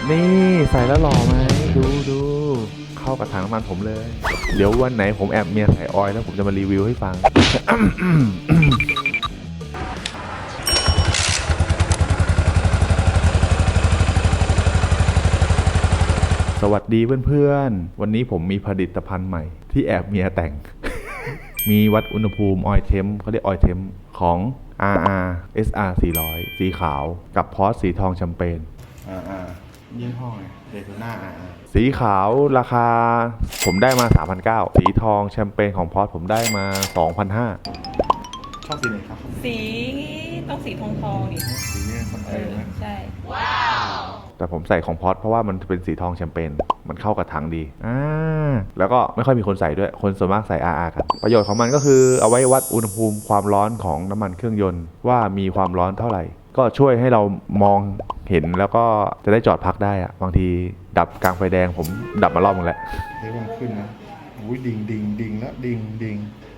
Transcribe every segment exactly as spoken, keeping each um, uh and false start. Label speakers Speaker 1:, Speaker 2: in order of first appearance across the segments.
Speaker 1: นี่ใส่แล้วหล่อไหมดูดูเข้ากับถังน้ำมันผมเลยเดี๋ยววันไหนผมแอบเมียใส่ออยล์แล้วผมจะมารีวิวให้ฟัง สวัสดีเพื่อนๆวันนี้ผมมีผลิตภัณฑ์ใหม่ที่แอบเมียแต่ง มีวัดอุณหภูมิออยเทมเขาเรียกออยเทมของ อาร์ อาร์ เอส อาร์ สี่ร้อยสีขาวกับพอสสีทองแชมเปญ
Speaker 2: อาร์ อาร์ ยี่ห้อไงเดโทน่า อาร์ อาร์
Speaker 1: สีขาวราคาผมได้มา สามพันเก้าร้อย สีทองแชมเปญของพอสผมได้มา สองพันห้าร้อย
Speaker 2: ชอบสีไหนครับ
Speaker 3: สีต้องสีทองทองดิ
Speaker 2: สีนี้สเปรย์ไหม
Speaker 3: ใช่
Speaker 1: แต่ผมใส่ของพอสเพราะว่ามันเป็นสีทองแชมเปญมันเข้ากับถังดีอ่าแล้วก็ไม่ค่อยมีคนใส่ด้วยคนส่วนมากใส่ อาร์ อาร์ กันประโยชน์ของมันก็คือเอาไว้วัดอุณหภูมิความร้อนของน้ำมันเครื่องยนต์ว่ามีความร้อนเท่าไหร่ก็ช่วยให้เรามองเห็นแล้วก็จะได้จอดพักได้อะบางทีดับกลางไฟแดงผมดับมารอบนึงแล้ว
Speaker 2: เฮ้ยมันขึ้นนะอุ้ยดิ่งดิ่งดิ่งแล้วดิ่งดิ่ง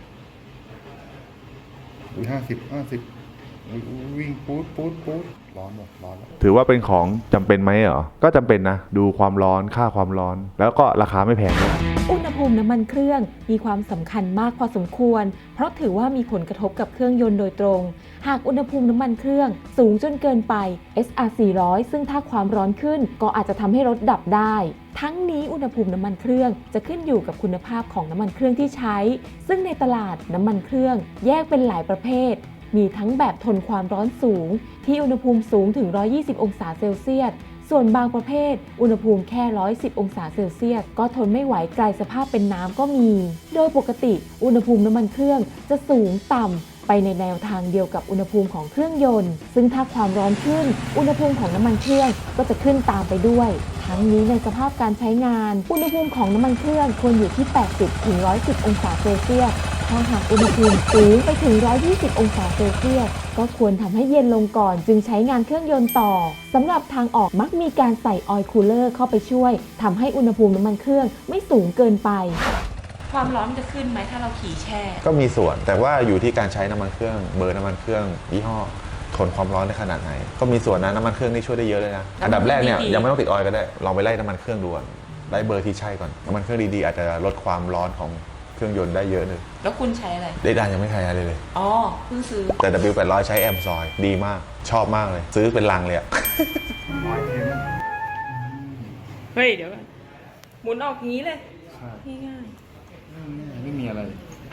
Speaker 2: อุ้ยห้าสิบห้าสิบอุ้ยวิ่งปู๊ดปู๊ดปู๊ดร้อนหมดร้อนแล้ว
Speaker 1: ถือว่าเป็นของจำเป็นไหมเหรอก็จำเป็นนะดูความร้อนค่าความร้อน แล้วก็ราคาไม่แพงด้วย
Speaker 4: อุณหภูมิน้ำมันเครื่องมีความสำคัญมากพอสมควรเพราะถือว่ามีผลกระทบกับเครื่องยนต์โดยตรงหากอุณหภูมิน้ำมันเครื่องสูงจนเกินไป เอส อาร์ สี่ร้อย ซึ่งถ้าความร้อนขึ้นก็อาจจะทำให้รถดับได้ทั้งนี้อุณหภูมิน้ำมันเครื่องจะขึ้นอยู่กับคุณภาพของน้ำมันเครื่องที่ใช้ซึ่งในตลาดน้ำมันเครื่องแยกเป็นหลายประเภทมีทั้งแบบทนความร้อนสูงที่อุณหภูมิสูงถึงหนึ่งร้อยยี่สิบองศาเซลเซียสส่วนบางประเภทอุณหภูมิแค่หนึ่งร้อยสิบองศาเซลเซียสก็ทนไม่ไหวกลายสภาพเป็นน้ำก็มี โดยปกติอุณหภูมิน้ำมันเครื่องจะสูงต่ำไปในแนวทางเดียวกับอุณหภูมิของเครื่องยนต์ซึ่งถ้าความร้อนขึ้นอุณหภูมิของน้ำมันเครื่องก็จะขึ้นตามไปด้วยทั้งนี้ในสภาพการใช้งานอุณหภูมิของน้ำมันเครื่องควรอยู่ที่ แปดสิบถึงหนึ่งร้อยสิบองศาเซลเซียสถ้าหากอุณหภูมิสูงไปถึงหนึ่งร้อยยี่สิบองศาเซลเซียสก็ควรทำให้เย็นลงก่อนจึงใช้งานเครื่องยนต์ต่อสำหรับทางออกมักมีการใส่ออยล์คูลเลอร์เข้าไปช่วยทำให้อุณหภูมิน้ำมันเครื่องไม่สูงเกินไป
Speaker 3: ความร้อนมันจะขึ้นไหมถ้าเราขี่แช่
Speaker 5: ก็มีส่วนแต่ว่าอยู่ที่การใช้น้ำมันเครื่องเบอร์น้ำมันเครื่องยี่ห้อทนความร้อนได้ขนาดไหนก็มีส่วนนะน้ำมันเครื่องนี่ช่วยได้เยอะเลยนะอันดับแรกเนี่ยยังไม่ต้องติดออยล์ก็ได้ลองไปไล่น้ำมันเครื่องดูก่อนไล่เบอร์ที่ใช่ก่อนน้ำมันเครื่องดีๆอาจจะลดความร้อนของเครื่องยนต์ได้เยอะเลย
Speaker 3: แล้วคุณใช้อะไร
Speaker 5: ได้ดานยังไม่ใช้อะไรเลย
Speaker 3: อ๋อเพิ่งซื้อ
Speaker 5: แต่ ดับเบิลยู แปดร้อย ใช้แอมซอยดีมากชอบมากเลยซื้อเป็นลังเลยอะ
Speaker 2: ออยเทม
Speaker 3: เฮ้ยเดี๋ยวก่อนหมุนออกอย่างนี้เลย
Speaker 2: ใช่
Speaker 3: ง่าย
Speaker 2: ไม่มีอะไร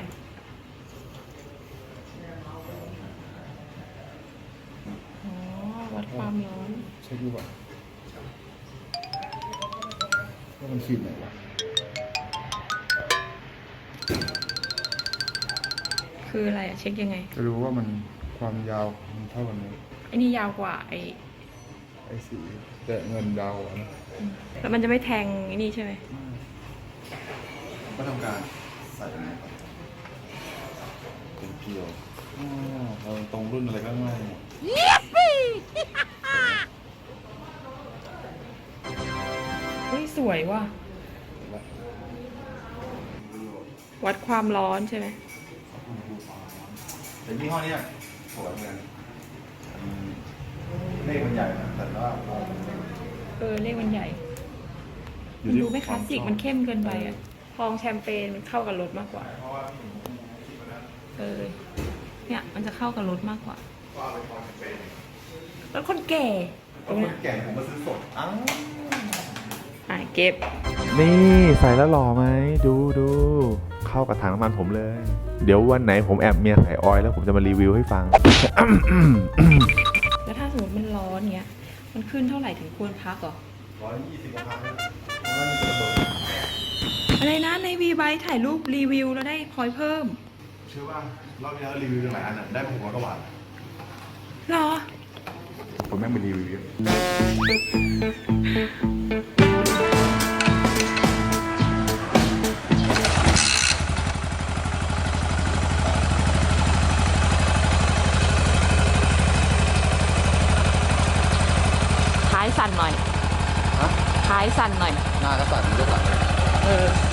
Speaker 3: ๆอ๋อวัดความร้อน
Speaker 2: เช็คดูก่อนว่ามันขีดไหนวะ
Speaker 3: คืออะไรอะเช็คยังไง
Speaker 2: จะรู้ว่ามันความยาวมันเท่ากันไหม
Speaker 3: ไอ้นี่ยาวกว่าไอ้
Speaker 2: ไอ้สีแต่เงินยาวกว่านะ
Speaker 3: แล้วมันจะไม่แทงไอ้นี่ใช่ไหม
Speaker 2: ก็ทำการใส่อันนี้ก่อนเป็นเพียวอ๋อเราตรงรุ่นอะไรก็ง่ายหมด
Speaker 3: เฮ้ยสวยว่ะวัดความร้อนใช่ไหม
Speaker 2: แต่ยี่ห้อเนี้ยสวยเหมือนกันเลขมันใหญ่นะแต่ว่า
Speaker 3: เออเลขมันใหญ่มันดูไม่คลาสสิกมันเข้มเกินไปอะทองแชมเปญมันเข้ากับรถมากกว่าเออเนี่ยมันจะเข้ากับรถมากกว่าแล้วคนแก่ตรงเนี้ย
Speaker 2: แก่ผมมาซื้อสดอ้าว
Speaker 3: อ่ะเก็บ
Speaker 1: นี่ใส่แล้วหล่อไหมดูดูเข้ากับถังน้ำมันผมเลยเดี๋ยววันไหนผมแอบเมียใส่ออยล์แล้วผมจะมารีวิวให้ฟัง
Speaker 3: แล้วถ้าสมมติมันร้อนเงี้ยมันขึ้นเท่าไหร่ถึงควรพักเหรอ
Speaker 2: ร้อยยี่สิบกว่าพัน
Speaker 3: อะไรนะในวีไบถ่ายรูปรีวิวแล้วได้พอยต์เพิ่ม
Speaker 2: เชื่อว่ารอบที่แล้วรีวิวหลายอันอ่ะได้ผมก็หวาน
Speaker 3: หรอ
Speaker 2: ผมแม่งไปรีวิวเยอะ
Speaker 3: ท้ายสั่นหน่อยท้ายสั่นหน่อย
Speaker 5: หน้าก็สั่นยกหลังเลย
Speaker 3: เออ